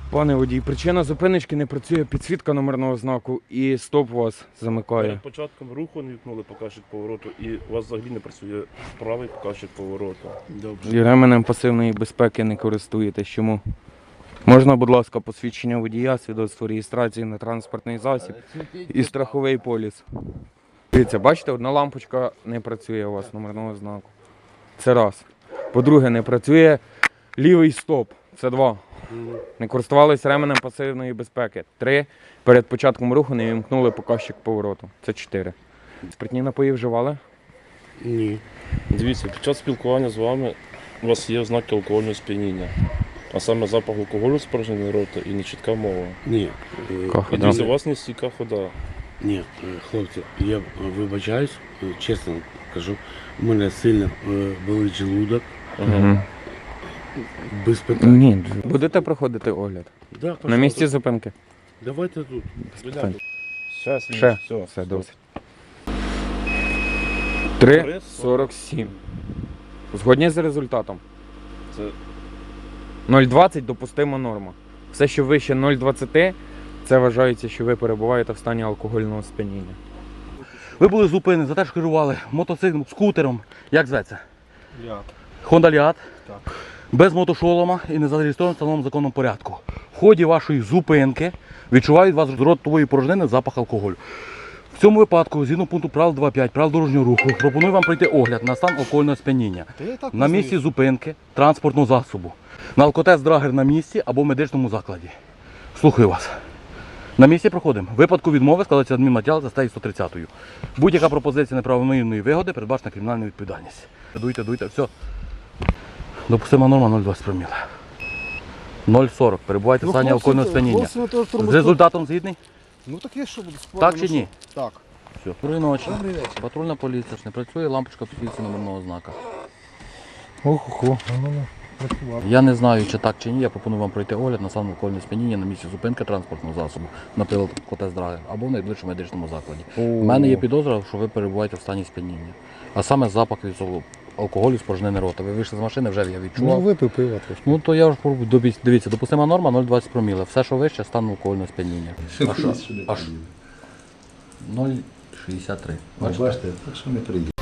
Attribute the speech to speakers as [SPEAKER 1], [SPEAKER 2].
[SPEAKER 1] Пане водій, причина зупиночки: не працює підсвітка номерного знаку і стоп вас замикає.
[SPEAKER 2] Перед початком руху не вікнули показчик повороту і у вас взагалі не працює правий показчик повороту.
[SPEAKER 1] І ременем пасивної безпеки не користуєтесь. Чому? Можна, будь ласка, посвідчення водія, свідоцтво реєстрації на транспортний засіб і страховий поліс. Дивіться, бачите, одна лампочка не працює у вас номерного знаку. Це раз. По-друге, не працює лівий стоп. Це два. Не користувалися ременем пасивної безпеки. 3. Перед початком руху не вімкнули показчик повороту. Це 4. Спиртні напої вживали?
[SPEAKER 2] Ні. Дивіться, під час спілкування з вами у вас є ознаки алкогольного сп'яніння. А саме запах алкоголю з порожнини рота і нечітка мова.
[SPEAKER 3] Ні.
[SPEAKER 2] І дивіться, у вас не стійка хода.
[SPEAKER 3] Ні, хлопці, я вибачаюсь, чесно кажу, у мене сильно болить желудок,
[SPEAKER 1] Угу.
[SPEAKER 3] без питань.
[SPEAKER 1] Ні. Будете проходити огляд?
[SPEAKER 3] Да,
[SPEAKER 1] На місці зупинки?
[SPEAKER 3] Давайте тут.
[SPEAKER 1] питань.
[SPEAKER 2] Ще.
[SPEAKER 1] Все, досить. 3,47. Згодні з результатом?
[SPEAKER 2] Це
[SPEAKER 1] 0,20 допустима норма. Все, що вище 0,20, це вважається, що ви перебуваєте в стані алкогольного сп'яніння.
[SPEAKER 4] Ви були зупинені за те, що керували мотоциклом, скутером, як зветься?
[SPEAKER 2] я.
[SPEAKER 4] Honda Liat.
[SPEAKER 2] Так.
[SPEAKER 4] Без мотошолома і не зареєстрований в встановленому законному порядку. В ході вашої зупинки відчувають вас з ротової порожнини запах алкоголю. В цьому випадку, згідно пункту правил 2.5 правил дорожнього руху, пропоную вам пройти огляд на стан алкогольного сп'яніння. На місці зупинки транспортного засобу. На алкотест драгер на місці або в медичному закладі. Слухаю вас. На місці проходимо. В випадку відмови складається адмінматеріал за статтею 130. Будь-яка пропозиція неправомірної вигоди передбачена кримінальна відповідальність. Дуйте, все. Допустима норма 0,20 проміла. 0,40. Перебувайте в стані алкогольного сп'яніння. З результатом згідний?
[SPEAKER 5] Ну так я що буду спорити?
[SPEAKER 4] Так чи ні?
[SPEAKER 5] Так.
[SPEAKER 4] Все. Доброї ночі.
[SPEAKER 5] Добрий вечір.
[SPEAKER 4] Патрульна поліція. Не працює лампочка підсвітки номерного знака.
[SPEAKER 5] Охо.
[SPEAKER 4] Я не знаю, чи так чи ні. Я пропоную вам пройти огляд на стан алкогольного сп'яніння на місці зупинки транспортного засобу, наприклад, алкотест драгер або в найближчому медичному закладі. У мене є підозра, що ви перебуваєте в стані сп'яніння. А саме запах від алкоголю з порожнини рота. Ви вийшли з машини, вже я відчував.
[SPEAKER 5] Ну випив пиво трошки.
[SPEAKER 4] Ну то я вже пробую. Дивіться, допустима норма 0,20 проміла. Все, що вище, стан алкогольного сп'яніння. Аж 0,63.
[SPEAKER 6] Бачите, так що не приїде.